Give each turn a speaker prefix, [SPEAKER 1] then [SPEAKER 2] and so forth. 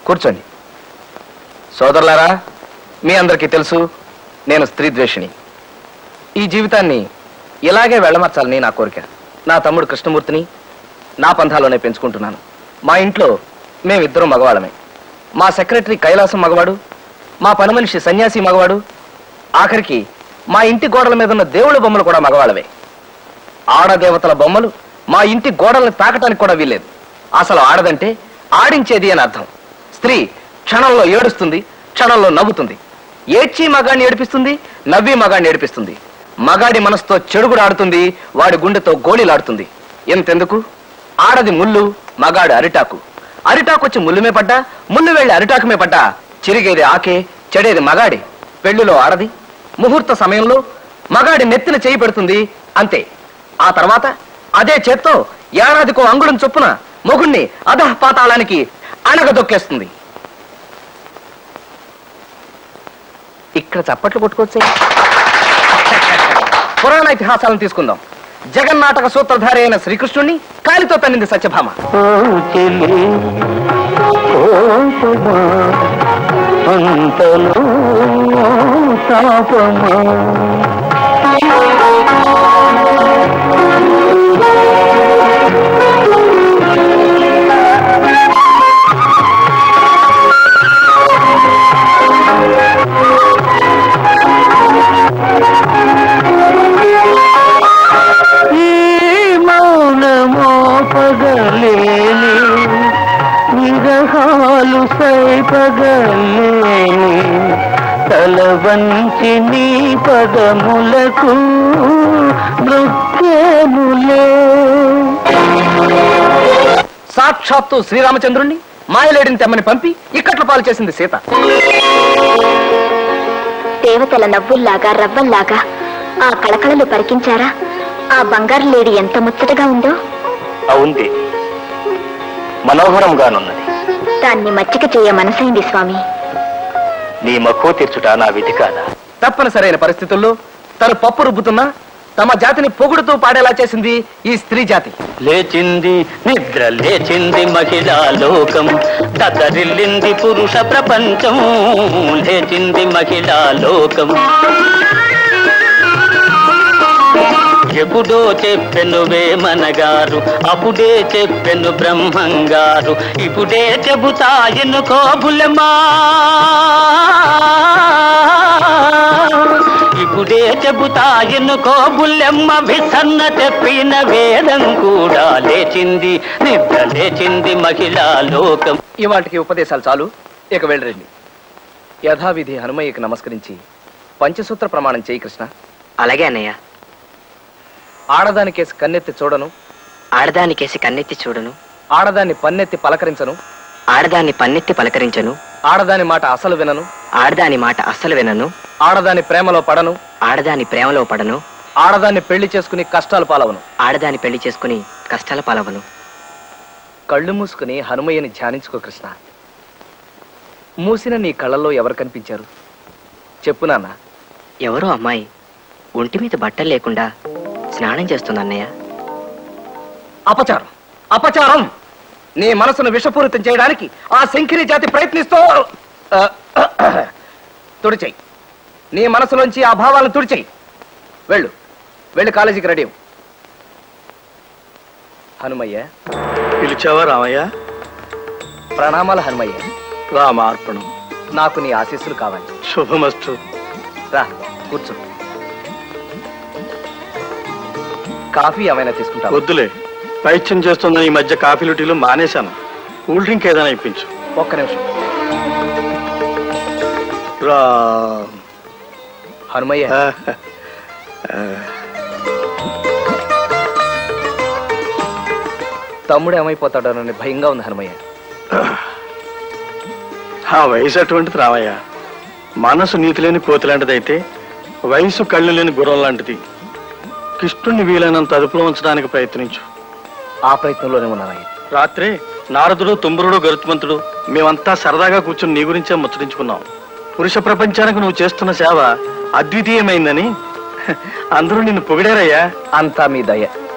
[SPEAKER 1] కూర్చోండి. సోదరులారా, మీ అందరికీ తెలుసు నేను స్త్రీ ద్వేషిని. ఈ జీవితాన్ని ఇలాగే వెళ్ళమర్చాలని నా కోరిక. నా తమ్ముడు కృష్ణమూర్తిని నా పంథాలోనే పెంచుకుంటున్నాను. మా ఇంట్లో మేమిద్దరం మగవాళ్ళమే. మా సెక్రటరీ కైలాసం మగవాడు, మా పని మనిషి సన్యాసి మగవాడు, ఆఖరికి మా ఇంటి గోడల మీద ఉన్న దేవుళ్ళ బొమ్మలు కూడా మగవాళ్ళవే. ఆడదేవతల బొమ్మలు మా ఇంటి గోడల్ని తాకటానికి కూడా వీల్లేదు. అసలు ఆడదంటే ఆడించేది అని అర్థం. స్త్రీ క్షణంలో ఏడుస్తుంది, క్షణంలో నవ్వుతుంది. ఏడ్చి మగాడిని ఏడిపిస్తుంది, నవ్వి మగాడిని ఏడిపిస్తుంది. మగాడి మనసుతో చెడుగుడు ఆడుతుంది, వాడి గుండెతో గోళీలాడుతుంది. ఎంతెందుకు, ఆడది ముళ్ళు, మగాడు అరిటాకు. అరిటాకు వచ్చి ముళ్ళుమే పడ్డా, ముళ్ళు వెళ్ళి అరిటాకుమే పడ్డా చిరిగేది ఆకే, చెడేది మగాడి. పెళ్లిలో ఆడది ముహూర్త సమయంలో మగాడి నెత్తిన చేయి పెడుతుంది, అంతే. ఆ తర్వాత అదే చేత్తో ఏడాదికో అంగుళం చొప్పున మొగుణ్ణి అధః పాతాళానికి అణగదొక్కేస్తుంది. ఇక్కడ చప్పట్లు కొట్టుకోవచ్చే. పురాణ ఇతిహాసాలను తీసుకుందాం. జగన్నాటక సూత్రధారి అయిన శ్రీకృష్ణుణ్ణి కాలితో తన్నింది సత్యభామ.
[SPEAKER 2] తలవంచి నీ పదములకు నృత్యములే.
[SPEAKER 1] సాక్షాత్తు శ్రీరామచంద్రుణ్ణి మాయలేడిని తెమ్మని పంపి ఇక్కట్ల పాలు చేసింది సీత.
[SPEAKER 3] దేవతల నవ్వుల్లాగా రవ్వల్లాగా ఆ కళకళలు పరికించారా? ఆ బంగారు లేడి ఎంత ముచ్చటగా ఉందో.
[SPEAKER 1] అవుంది, మనోహరంగానున్నది.
[SPEAKER 3] దాన్ని మచ్చిక చేయ మనసైంది స్వామి.
[SPEAKER 1] నీ మక్కువ తీర్చుట నా విధి కాదా? తప్పనిసరైన పరిస్థితుల్లో తను పప్పు రుబ్బుతున్నా తమ జాతిని పొగుడుతూ పాడేలా చేసింది ఈ స్త్రీ జాతి.
[SPEAKER 2] లేచింది నిద్ర లేచింది మహిళా లోకం, దద్దరిల్లింది పురుష ప్రపంచం. లేచింది మహిళా లోకం. ఎప్పుడో చెప్పెను వేమనగారు, అప్పుడే చెప్పెను బ్రహ్మంగారు, ఇప్పుడే చెబుతాయను కోబులమా, ఇప్పుడే చెబుతాయను కోబులమ్మ. విసన్న చెప్పిన వేదం కూడా లేచింది, నిద్ర లేచింది మహిళా లోకం.
[SPEAKER 1] ఇవాటికి ఉపదేశాలు చాలు, ఇక వెళ్ళరండి. యథావిధి హనుమయ్యకి నమస్కరించి పంచసూత్ర ప్రమాణం చేయి కృష్ణ.
[SPEAKER 4] అలాగే అన్నయ్య.
[SPEAKER 1] ఆడదానికేసి కన్నెత్తి చూడను,
[SPEAKER 4] ఆడదానికేసి కన్నెత్తి చూడను,
[SPEAKER 1] ఆడదాన్ని పన్నెత్తి పలకరించను,
[SPEAKER 4] ఆడదాన్ని పన్నెత్తి పలకరించను,
[SPEAKER 1] ఆడదాని మాట అసలు వినను,
[SPEAKER 4] ఆడదాని మాట అస్సలు వినను,
[SPEAKER 1] ఆడదాని ప్రేమలో పడను,
[SPEAKER 4] ఆడదాని ప్రేమలో పడను,
[SPEAKER 1] ఆడదాన్ని పెళ్లి చేసుకుని కష్టాలు పాలవను,
[SPEAKER 4] ఆడదాని పెళ్లి చేసుకుని కష్టాల పాలవను.
[SPEAKER 1] కళ్ళు మూసుకుని హనుమయ్యని ధ్యానించుకో కృష్ణ. మూసిన నీ కళ్ళల్లో ఎవరు కనిపించారు చెప్పు నాన్న.
[SPEAKER 4] ఎవరో అమ్మాయి ఒంటి మీద బట్టలు లేకుండా స్నానం చేస్తుంది అన్నయ్య.
[SPEAKER 1] అపచారం, అపచారం! నీ మనసును విషపూరితం చేయడానికి ఆ శంకిని జాతి ప్రయత్నిస్తూ తుడిచేయి. నీ మనసులోంచి ఆ భావాలను తుడిచేయి. వెళ్ళు, వెళ్ళి కాలేజీకి రెడీ. హనుమయ్య.
[SPEAKER 5] పిలిచావా రామయ్య?
[SPEAKER 1] ప్రణామాలు హనుమయ్య.
[SPEAKER 5] రామార్పణం.
[SPEAKER 1] నాకు నీ ఆశీస్సులు కావాలి.
[SPEAKER 5] శుభమస్తు.
[SPEAKER 1] రా కూర్చో. కాఫీ ఏమైనా తీసుకుంటా?
[SPEAKER 5] వద్దులే, పైత్యం చేస్తుందని ఈ మధ్య కాఫీలు టీలు మానేశాను. కూల్ డ్రింక్ ఏదైనా ఇప్పించు.
[SPEAKER 1] ఒక్క నిమిషం.
[SPEAKER 5] రా
[SPEAKER 1] హనుమయ్య. తమ్ముడు ఏమైపోతాడోనని భయంగా ఉంది హనుమయ్య.
[SPEAKER 5] ఆ వయసు అటువంటిది రామయ్య. మనసు నీతి లేని కోతి లాంటిదైతే వయసు కళ్ళు లేని గుర్రం లాంటిది. కృష్ణుణ్ణి వీలైనంత అదుపులో ఉంచడానికి ప్రయత్నించు.
[SPEAKER 1] ఆ ప్రయత్నంలోనే ఉన్నానయ్య.
[SPEAKER 5] రాత్రి నారదుడు, తుంబురుడు, గరుత్మంతుడు మేమంతా సరదాగా కూర్చుని నీ గురించే ముచ్చరించుకున్నాం. పురుష ప్రపంచానికి నువ్వు చేస్తున్న సేవ అద్వితీయమైందని అందరూ నిన్ను పొగిడారయ్యా.
[SPEAKER 1] అంతా మీ దయ.